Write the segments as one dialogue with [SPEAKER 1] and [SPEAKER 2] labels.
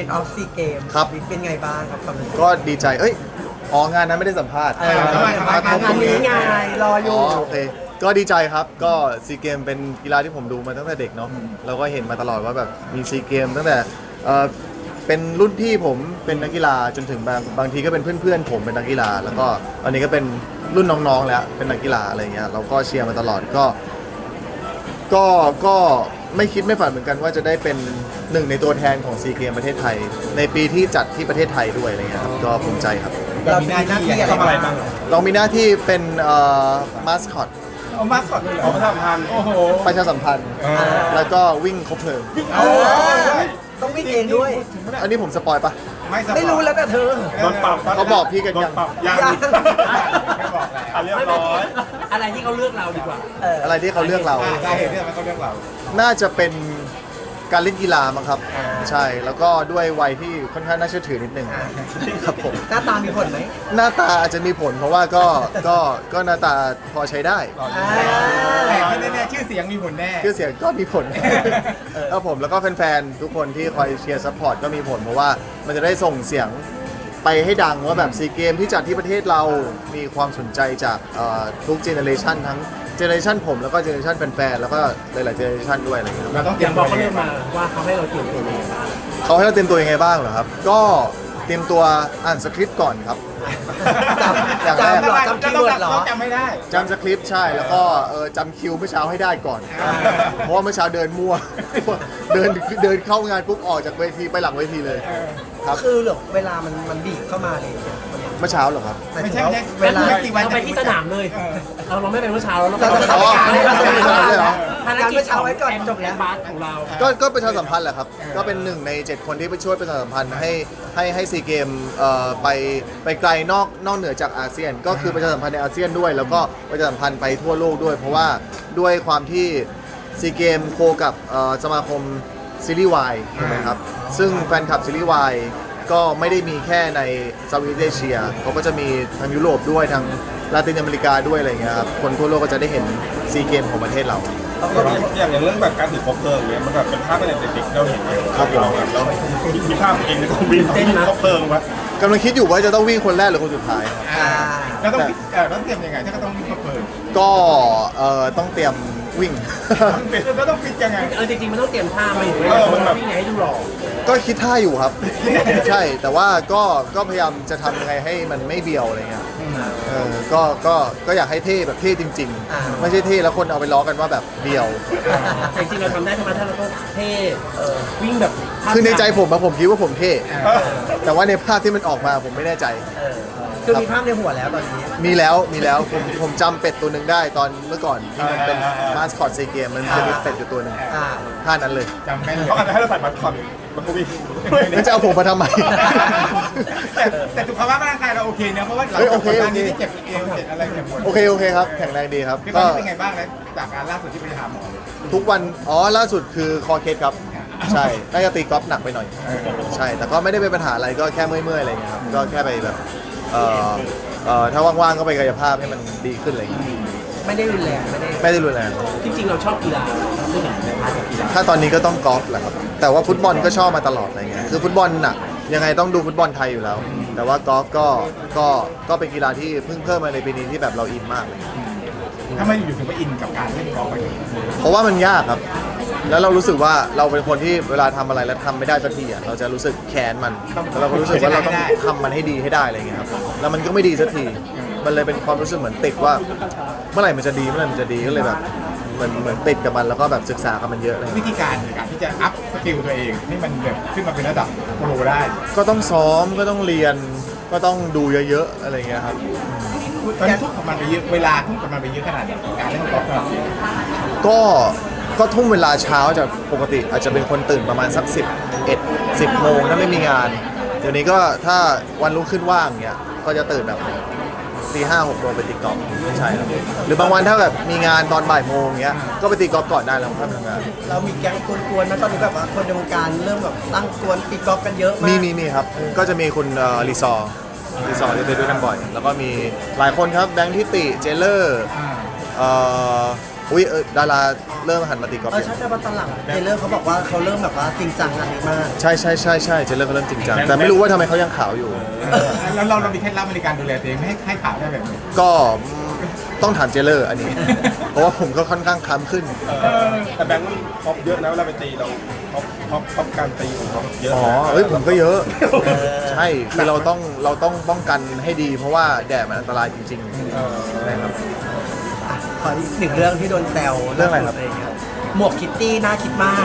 [SPEAKER 1] Best of SEA Games
[SPEAKER 2] ครับ
[SPEAKER 1] เป็นไงบ้างครับความรู้สึก
[SPEAKER 2] ก็ดีใจงานนั้นไม่ได้สัมภาษณ์
[SPEAKER 1] งานนี้ไงรออยู่
[SPEAKER 2] โอเคก็ดีใจครับก็ซีเกมเป็นกีฬาที่ผมดูมาตั้งแต่เด็กเนาะเราก็เห็นมาตลอดว่าแบบมีซีเกมตั้งแต่เป็นรุ่นพี่ผมเป็นนักกีฬาจนถึงบางทีก็เป็นเพื่อนๆผมเป็นนักกีฬาแล้วก็ตอนนี้ก็เป็นรุ่นน้องๆแล้วเป็นนักกีฬาอะไรเงี้ยเราก็เชียร์มาตลอดก็ไม่คิดไม่ฝันเหมือนกันว่าจะได้เป็นหนึ่งในตัวแทนของซีเกมประเทศไทยในปีที่จัดที่ประเทศไทยด้วยอะไรเงี้ยครับก็ภูมิใจครับ
[SPEAKER 1] เรามีหน้าที่อะไรบ้าง
[SPEAKER 2] เรามีหน้าที่เป็นมาสคอต
[SPEAKER 3] เอามาสอดเลยเหรอประชาสัมพันธ์โอ้โห
[SPEAKER 2] ประชาสัมพันธ์แล้วก็วิ่งครบเพลิง
[SPEAKER 3] โอ้ย
[SPEAKER 1] ต้องวิ่งเองด้วย
[SPEAKER 2] อันนี้ผมสปอยปะ
[SPEAKER 1] ไม่รู้แล้วแต่เธอ
[SPEAKER 3] โดนปรับ
[SPEAKER 2] เขาบอกพี่กัน
[SPEAKER 3] โด
[SPEAKER 2] ยั
[SPEAKER 3] น
[SPEAKER 2] ง
[SPEAKER 3] ปรับยัง
[SPEAKER 1] ยัง
[SPEAKER 3] ไม่บอกแล้วเรียบร้อย
[SPEAKER 4] อะไรที่เขาเลือกเราดีกว่า
[SPEAKER 2] อะไรที่เขาเลือกเรา
[SPEAKER 3] สาเหตุที่ทำให้เขาเลือกเรา
[SPEAKER 2] น่าจะเป็นการเล่นกีฬามั้งครับ ใช่แล้วก็ด้วยวัยที่ค่อนข้างน่าเชื่อถือนิดนึงครับผม
[SPEAKER 1] หน้าตามีผลไหม
[SPEAKER 2] หน้าตาอาจจะมีผลเพราะว่าก็หน้าตาพอใช้ได้
[SPEAKER 3] แต่ที่แน่ๆชื่อเสียงมีผลแน่
[SPEAKER 2] ชื่อเสียงก็มีผลครับผมแล้วก็แฟนๆทุกคนที่คอยเชียร์ซัพพอร์ตก็มีผลเพราะว่ามันจะได้ส่งเสียงไปให้ดังว่าแบบซีเกมที่จัดที่ประเทศเรามีความสนใจจากทุกเจเนอเรชันทั้งเจเนอเรชันผมแล้วก็เจเนอเรชันแฟนๆแล้วก็หลายๆเจเนอเรชันด้วยอะไรอย่างเงี้ยครับ
[SPEAKER 3] เราต้องเต
[SPEAKER 4] อ
[SPEAKER 3] รีย
[SPEAKER 4] ย่าม งบอกเขาเลือกมาว่าเขาให้เราเตรียมตัวยังไงบ้าง
[SPEAKER 2] เขาให้เราเตรียมตัวยังไงบ้างเหรอครับ ก็เตรียมตัวอ่านสคริปต์ก่อนครับ อย่างแรก
[SPEAKER 1] จำเหรอจำคีย์เวิร์ดเหรอ
[SPEAKER 3] จำไม่ได้
[SPEAKER 2] จำสคริปต์ใช่แล้วก็จำคิวเมื่อเช้าให้ได้ก่อน เพราะว่าเมื่อเช้าเดินมั่ว เดินเข้างานปุ๊บออกจากเวทีไปหลังเวทีเลยครับ
[SPEAKER 1] คือเหรอเวลามันบีบเข้ามาเลย
[SPEAKER 2] เมื่อเช้าเหรอครับ
[SPEAKER 3] ไม่ใช่
[SPEAKER 1] เวลา
[SPEAKER 3] ไม่กี่วัน
[SPEAKER 4] เราไปที่สนามเลย เราไม่ไปเมื่อเช้าเรา
[SPEAKER 1] เราจะ
[SPEAKER 2] อ๋อ
[SPEAKER 1] เราจะ
[SPEAKER 2] ไม่ได้เหรอ
[SPEAKER 4] ภารกิจของจบแล้วบาสของเรา
[SPEAKER 2] ก็ประชาสัมพันธ์แหละครับ ก็เป็นหนึ่งใน 7 คนที่ไปช่วยประชาสัมพันธ์ให้ซีเกมไปไกลนอกเหนือจากอาเซียน ก็คือประชาสัมพันธ์ในอาเซียนด้วย แล้วก็ประชาสัมพันธ์ไปทั่วโลกด้วย เพราะว่าด้วยความที่ซีเกมโคกับสมาคมซีรีส์วายถูกไหมครับ ซึ่งแฟนคลับซีรีส์วายก็ไม่ได้มีแค่ในเซาท์อีสต์เอเชียเขาก็จะมีทางยุโรปด้วยทางลาตินอเมริกาด้วยอะไรเงี้ยครับคนทั่วโลกก็จะได้เห็นซีเกมของประเทศเรา
[SPEAKER 5] อย่างเรื่องแบบการถือคบเพลิงเนี่ยมันแบบเป็นภาพเป็นเด็กๆเราเห็นเลย
[SPEAKER 2] ครับผม
[SPEAKER 5] เราแบบเรามีภาพตัวเองในกองบินคบเพลิงวะ
[SPEAKER 2] กำลังคิดอยู่ว่าจะต้องวิ่งคนแรกหรือคนสุดท้ายครับ
[SPEAKER 3] เราต้องต้องเตรียมยังไงถ้าก็ต้องวิ่งเปิด
[SPEAKER 2] ก็ต้องเตรียมวิ่ง
[SPEAKER 3] เราต้องฟิตยังไง
[SPEAKER 4] จริงๆมันต้องเตรียมท่ามาอยู่ด้วยวิ่งไงให้ดูหล่อ
[SPEAKER 2] ก็คิดท่าอยู่ครับ ใช่แต่ว่าก็พยายามจะทำยังไงให้มันไม่เบียวอะไรเงี้ยก็อยากให้เท่แบบเท่จริง ๆ ไม่ใช่เท่แล้วคนเอาไปล้อกันว่าแบบเบียว
[SPEAKER 4] แต่จริงๆเราทำได้ทำไมถ้าเราต้องเท่วิ่งแบบ
[SPEAKER 2] คือในใจผมคิดว่าผมเท่แต่ว่าในภาพที่มันออกมาผมไม่แน่ใจ
[SPEAKER 1] คือมีภาพในหัวแล้วตอนนี้
[SPEAKER 2] มีแล้วผมจำเป็ดตัวหนึ่งได้ตอนเมื่อก่อนที่มันเป็นมาสคอตซีเกมมันจะมีเป็ดอยู่ตัวหนึ่ง
[SPEAKER 1] อ่า
[SPEAKER 2] ท่านั้นเลย
[SPEAKER 3] จำแม่น
[SPEAKER 5] เขาอาจจะให้เราใส่บัตรคอนมันก็มี
[SPEAKER 2] แล้วจะเอาผมมาทำไม
[SPEAKER 3] แต่สุขภาพร่างกายเราโอเคนะเพราะว่าหลัง
[SPEAKER 2] เฮ้ยโอ
[SPEAKER 3] จาก
[SPEAKER 2] เค
[SPEAKER 3] การนี้เจ็บเอวเจ็บอะไรเจ็บปวด
[SPEAKER 2] โอเคครับแข็งแรงดีครับ
[SPEAKER 3] คือตอนนี้เป็นไงบ้างแล้วจากการล่าสุดที่ไปหาหมอ
[SPEAKER 2] ทุกวันล่าสุดคือคอเคสครับ ใช่น่าจะตีกอล์ฟหนักไปหน่อย ใช่ แต่ก็ไม่ได้เป็นปัญหาอะไรก็แค่เมื่อยๆอะไรอย่างเงี้ยครับก็แค่ไปแบบถ้าว่างๆก็ไปกายภาพให้มันดีขึ้นอะไรอย่างเงี้ย
[SPEAKER 1] ไม่ได้รุนแรงไม่ได้
[SPEAKER 2] ไม่ได้รุนแรง
[SPEAKER 4] จริงๆเราชอบกีฬาเราไม่เห็นในพาร์ทของกีฬา
[SPEAKER 2] ถ้าตอนนี้ก็ต้องกอล์ฟแหละครับแต่ว่าฟุตบอลก็ชอบมาตลอดอะไรเงี้ยคือฟุตบอลหนักยังไงต้องดูฟุตบอลไทยอยู่แล้ว แต่ว่ากอล์ฟก็เป็นกีฬาที่เพิ่งเพิ่มมาในปีนี้ที่แบบเราอินมากเลย
[SPEAKER 3] ถ้าไม่อยู่ถึงไปอินกับการเล่นกอล์ฟไป
[SPEAKER 2] เพราะว่ามันยากครับ แล้วเรารู้สึกว่าเราเป็นคนที่เวลาทำอะไรแล้วทำไม่ได้สักทีอ่ะเราจะรู้สึกแค้นมันแล้วเราก็รู้สึกว่าเราต้องทำมันให้ดีให้ได้อะไรเงี้ยครับแล้วมันก็ไม่ดีสักทีมันเลยเป็นความรู้สึกเหมือนติดว่า เมื่อไหร่มันจะดีก็เลยแบบเหมือนติดกับมันแล้วก็แบบศึกษากับมันเยอะเลย
[SPEAKER 3] วิธีการในการที่จะอัพสกิลตัวเองให้มันแบบขึ้นมาเป็นระดับโปรได้
[SPEAKER 2] ก็ต้องซ้อมก็ต้องเรียนก็ต้องดูเยอะๆอะไรเงี้ยครับ
[SPEAKER 3] ตอนนี้ทุ่มกับมันไปเยอะเวลาทุ่มกับมันไปเยอะขนาดไหนการเล่นกอล์ฟของเรา
[SPEAKER 2] ก็ทุ่มเวลาเช้าจากปกติอาจจะเป็นคนตื่นประมาณสัก10 โมงถ้าไม่มีงาน เดี๋ยวนี้ก็ถ้าวันรุ่งขึ้นว่างเงี้ยก็จะตื่นแบบตี5-6 โมงไปตีกอล์ฟใช่ครับหรือบางวันถ้าแบบมีงานตอนบ่ายโมงเงี้ยก็ไปตีกอล์ฟก่อนได้แล้วค่อยไปทำงาน
[SPEAKER 1] เรามีแก๊งกวนๆนะตอนนี้แบบว่าคนในวงการเริ่มแบบตั้งกวนตีกอล์ฟกันเยอะมาก
[SPEAKER 2] มีครับก็จะมีคุณรีซอร์ที่ไปด้วยกันบ่อย แล้วก็มีหลายคนครับแบงค์ทิติเจเลอร์โหอุ้ยดาราเริ่มหันมาตีกอล์ฟ
[SPEAKER 1] ใช่ใช่เพราะตอนหลังเทเลอร์เขาบอกว่าเขาเริ่มแบบว่าจริงจังอันนี้มาก
[SPEAKER 2] ใช่เจเริ่มก็เริ่มจริงจังแต่ไม่รู้ว่าทำไมเขายังขาวอยู่
[SPEAKER 3] แล้วเรามีเคล็ดลับในการดูแลตัวเองไม่ให้ขาวได้แบบนี้
[SPEAKER 2] ก็ต้องถามเจเลอร์อันนี้ เพราะว่าผมก็ค่อนข้างคล้ำขึ้น
[SPEAKER 5] แต่แบงค์มันท็อปเยอะนะเวลาไปตีเราท็อปการตีของเขาเยอะ
[SPEAKER 2] อ๋อ
[SPEAKER 5] นะ
[SPEAKER 2] เอ้ยผมก็เยอะ ใช่คือเราต้องป้องกันให้ดี เพราะว่าแดดมันอันตรายจริงๆนะครับ
[SPEAKER 1] ขออีกหนึ่งเรื่องที่โดนแซว
[SPEAKER 2] เรื่องอะไรครับ
[SPEAKER 1] หมวกคิตตี้น่าคิดมาก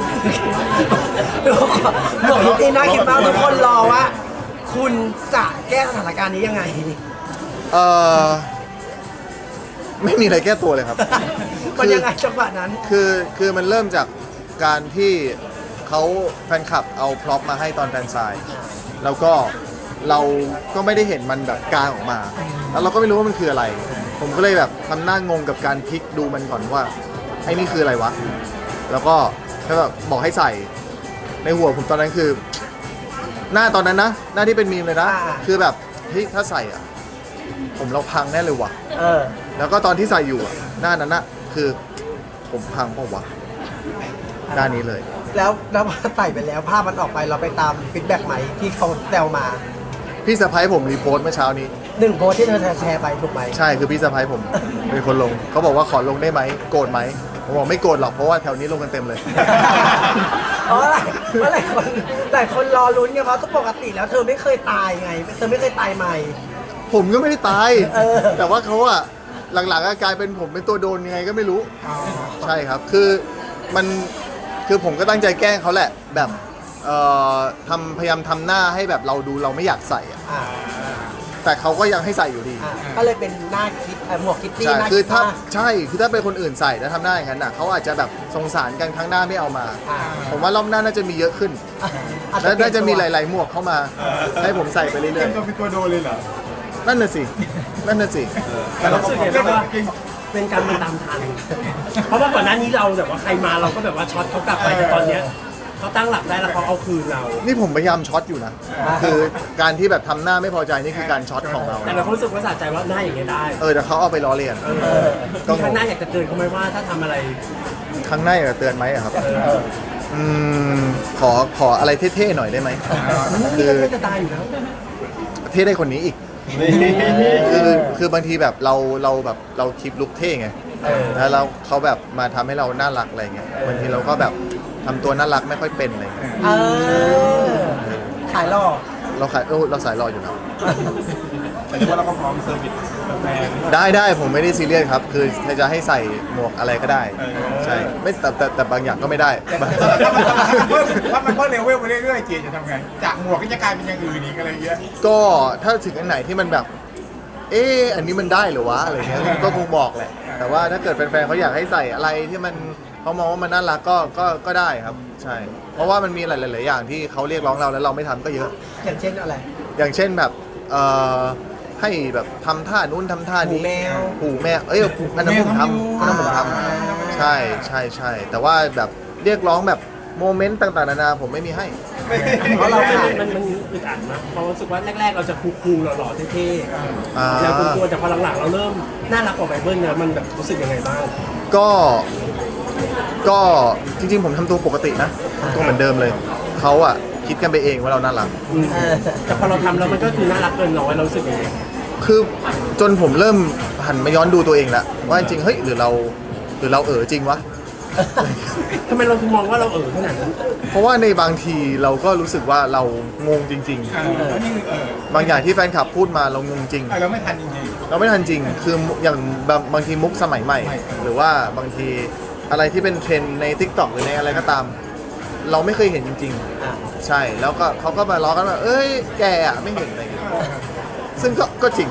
[SPEAKER 1] หมวกคิตตี้น่าคิดมากทุกคนรอว่า คุณจะแก้สถานการณ์นี้ยังไง
[SPEAKER 2] เออไม่มีอะไรแก้ตัวเลยครับ
[SPEAKER 1] มันยังไงจังหวะนั้น
[SPEAKER 2] คือมันเริ่มจากการที่เขาแฟนคลับเอาพร็อพมาให้ตอนแฟนไซน์แล้วก็เราก็ไม่ได้เห็นมันแบบกลางออกมา แล้วเราก็ไม่รู้ว่ามันคืออะไร ผมก็เลยแบบทำหน้างงกับการพลิกดูมันก่อนว่าไอ้นี่คืออะไรวะ แล้วก็แบบบอกให้ใส่ในหัวผมตอนนั้นคือ หน้าตอนนั้นนะหน้าที่เป็นมีมเลยนะ คือแบบเฮ้ยถ้าใส่อ่ะผมเราพังแน่เลยว่ะ
[SPEAKER 1] เออ
[SPEAKER 2] แล้วก็ตอนที่ใส่อยู่อะหน้านั้นนะคือผมพังเปล่าวะด้านนี้เลย
[SPEAKER 1] แล้วพอใส่ไปแล้วภาพมันออกไปเราไปตามฟีดแบ็กไหมที่เขาแซวมา
[SPEAKER 2] พี่สะพ้ายผมรีโพสต์เมื่อเช้านี้
[SPEAKER 1] หนึ่งโพสต์ที่เธอแชร์ไปถูกไหม
[SPEAKER 2] ใช่คือพี่สะพ้ายผมเป็นคนลงเขาบอกว่าขอลงได้ไหมโกรธไหมผมบอกไม่โกรธหรอกเพราะว่าแถวนี้ลงกันเต็มเลย
[SPEAKER 1] เพราะหลายคนรอลุ้นไงเพราะปกติแล้วเธอไม่เคยตายไงเธอไม่เคยตายใหม่
[SPEAKER 2] ผมก็ไม่ได้ตาย
[SPEAKER 1] เออ
[SPEAKER 2] แต่ว่าเขาอะหลังๆก็กลายเป็นผมเป็นตัวโดนยังไงก็ไม่รู้ ใช่ครับคือมันคือผมก็ตั้งใจแกล้งเขาแหละแบบพยายามทำหน้าให้แบบเราดูเราไม่อยากใส่อะ
[SPEAKER 1] อ่า
[SPEAKER 2] แต่เขาก็ยังให้ใส่อยู่ดี
[SPEAKER 1] ก็เลยเป็นหน้าคิดหมวกคิตตี้
[SPEAKER 2] ใช่
[SPEAKER 1] หน้า
[SPEAKER 2] คือ
[SPEAKER 1] คิด
[SPEAKER 2] ถ้าม
[SPEAKER 1] าก
[SPEAKER 2] ใช่คือถ้าเป็นคนอื่นใส่แล้วทำหน้าอย่างนั้นน่ะเขาอาจจะแบบสงสารกันครั้งหน้าไม่เอามา ผมว่ารอบหน้าน่าจะมีเยอะขึ้น และน่าจะมีหลายๆหมวกเข้ามา ให้ผมใส่ไปเรื่
[SPEAKER 3] เต็
[SPEAKER 2] อย
[SPEAKER 3] มตัวเป็นตัวโดนเลยเหรอ
[SPEAKER 2] ๆนั่นน่ะสินั่นน่ะสิ
[SPEAKER 4] แต่เรารู้สึกไงบ้างว่าเป็นการมันตามทัน เพราะว่าก่อนหน้านี้เราแบบว่าใครมาเราก็แบบว่าช็อตเขากลับไปแต่ตอนเนี้ยเขาตั้งหลักได้แล้วเขาเอาคืนเรา
[SPEAKER 2] นี่ผมพยายามช็อตอยู่นะ คือการที่แบบทำหน้าไม่พอใจนี่คือการช็อตของเรา
[SPEAKER 4] แต่เราก็รู้สึกว่าสะใจว่าหน้าอย่างเงี้ยได้
[SPEAKER 2] แต่เขาเอาไปล้อเลียน ก็
[SPEAKER 4] มีครั้งหน้าอยากจะเตือนเขาไหมว่าถ้าทำอะไร
[SPEAKER 2] ครั้งหน้าอยากจะเตือนไหมอะครับขออะไรเท่ๆหน่อยได้ไหม
[SPEAKER 4] นี่ก็จะตายอยู่แล้ว
[SPEAKER 2] เท่ได้คนนี้อีก คือบางทีแบบเราแบบเราคลิปลุกเท่ไงแล้วเราเขาแบบมาทำให้เราน่ารักอะไรเงี้ยบางทีเราก็แบบทำตัวน่ารักไม่ค่อยเป็นอะไรเงี้ย
[SPEAKER 1] ขายหล่อ
[SPEAKER 2] เราสายรออยู่นะ
[SPEAKER 5] แต่ว่าเราก็พร้อมเซอร์วิสแฟน
[SPEAKER 2] ได้ผมไม่ได้ซีเรียสครับ คือถ้าจะให้ใส่หมวกอะไรก็ได้ใช่ไม่แต่บางอย่างก็ไม่ได้
[SPEAKER 3] ถ้ามันเพิ่มเลเวลไปเรื่อยๆเจจะทำไงจากหมวกก็จะกลายเป็นอย่างอื่นอีกอะไรเงี้ย
[SPEAKER 2] ก็ถ้าถึงอันไหนที่มันแบบ อันนี้มันได้เหรือวะอะไรเงี้ยก็คงบอกแหละ แต่ว่าถ้าเกิดแฟนๆเขาอยากให้ใส่อะไรที่มันเขามองว่ามันน่ารักก็ได้ครับ ใช่ เพราะว่ามันมีหลายๆอย่างที่เขาเรียกร้องเราแล้วเราไม่ทำก็เยอะ
[SPEAKER 1] อย่างเช่นอะไร
[SPEAKER 2] อย่างเช่นแบบให้แบบทำท่านู้นทำท่านี้
[SPEAKER 1] หูแมว
[SPEAKER 2] อันนั้นผมทำอันนั้นผมทำใช่แต่ว่าแบบเรียกร้องแบบโมเมนต์ต่างๆนานาผมไม่มีให้
[SPEAKER 1] เพราะเราขาย
[SPEAKER 4] มันอึดอัดนะเพราะรู้สึกว่าแรกๆเราจะคูลๆหล่อๆเท่
[SPEAKER 2] อ่า
[SPEAKER 4] ๆแล้วกลัวๆแต่พอหลังๆเราเริ่มน่ารักกว่าไบเบิลเนี่ยมันแบบรู้สึกยังไงบ้าง
[SPEAKER 2] ก็จริงๆผมทำตัวปกตินะทำตัวเหมือนเดิมเลยเขาอะคิดกันไปเองว่าเราน่ารัก
[SPEAKER 4] แต่พอเราทำแล้วมันก็คือน่ารักเกินร้อยเรารู้สึกยังไง
[SPEAKER 2] คือจนผมเริ่มหันมาย้อนดูตัวเองแล้วว่าจริงๆเฮ้ยหรือเราจริงวะ
[SPEAKER 4] ทำไมเราถึงมองว่าเราขนาดนั้น
[SPEAKER 2] เพราะว่าในบางทีเราก็รู้สึกว่าเรางงจริง ๆ บางอย่างที่แฟนคลับพูดมาเรางงจริง
[SPEAKER 3] เราไม่ทันจริง
[SPEAKER 2] เราไม่ทันจริง คืออย่างบางทีมุกสมัยใหม่ หรือว่าบางทีอะไรที่เป็นเทรนด์ใน TikTok หรือในอะไรก็ตาม เราไม่เคยเห็นจริง ๆ ใช่ แล้วก็เขาก็มาล้อกันว่าเอ้ยแกอะไม่เห็นอะไรอย่างเงี้ยซึ่งก็จริง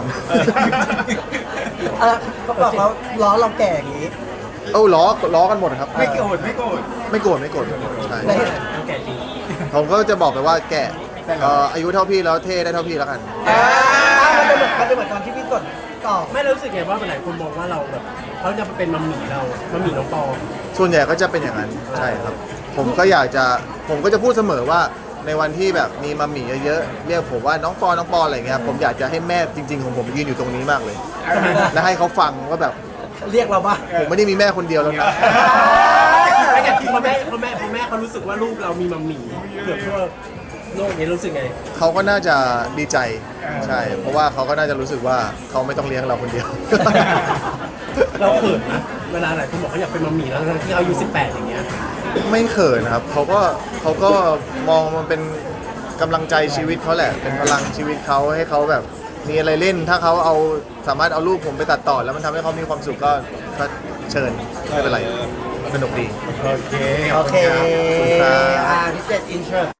[SPEAKER 1] เขาบอกว่าล้อเราแก่อย่างนี้
[SPEAKER 2] ล้อกันหมดครับ
[SPEAKER 3] ๆไม่โกรธ
[SPEAKER 2] ไม่โกรธใช่
[SPEAKER 1] ได้
[SPEAKER 4] เราแก่จริง
[SPEAKER 2] ผมก็จะบอกไปว่าแกอายุเท่าพี่แล้วเท่ได้เท่าพี่แล้วกัน
[SPEAKER 1] มันจะเหมือนตอนที่พี่กดตอบ
[SPEAKER 4] ไม่รู้สึกไงว่าหลายคนมองว่าเราแบบเขาจะเป็นมัมหมี่เรามัมหมี่น้องปอ
[SPEAKER 2] ส่วนใหญ่ก็จะเป็นอย่างนั้นใช่ครับ ผมก็จะพูดเสมอว่าในวันที่แบบมีมัมหมี่เยอะๆเรียกผมว่าน้องปออะไรเงี้ยผมอยากจะให้แม่จริงๆของผมยืนอยู่ตรงนี้มากเลย และให้เขาฟังว่าแบบ
[SPEAKER 1] เรียกเราบ้าง
[SPEAKER 2] ผมไม่ได้มีแม่คนเดียวแล้วนะ
[SPEAKER 4] ไม่แต่พ่อแม่เขารู้สึกว่าลูกเรามีมัมหมี่เกือบทั่วโลกนี้รู้สึกไง
[SPEAKER 2] เขาก็น่าจะดีใจใช่ เพราะว่าเขาก็น่าจะรู้สึกว่าเขาไม่ต้องเลี้ยงเราคนเดียว
[SPEAKER 4] เราเขินนะเวลาหลายคนบอกเขาอยากเป็นมัมหมี่แล้วทั้งที่เขาอายุ18อย่างเงี้ย
[SPEAKER 2] ไม่เขินนะครับเขาก็มองมันเป็นกำลังใจชีวิตเขาแหละ เป็นพลังชีวิตเขาให้เขาแบบมีอะไรเล่น ถ้าเขาสามารถเอารูปผมไปตัดต่อแล้วมันทำให้เขามีความสุขก็เชิญไม่เป็นไรสนุกดี
[SPEAKER 3] โอเค
[SPEAKER 1] โอเค
[SPEAKER 2] ขอบคุณครับ
[SPEAKER 1] พี่เจตอินเทอร์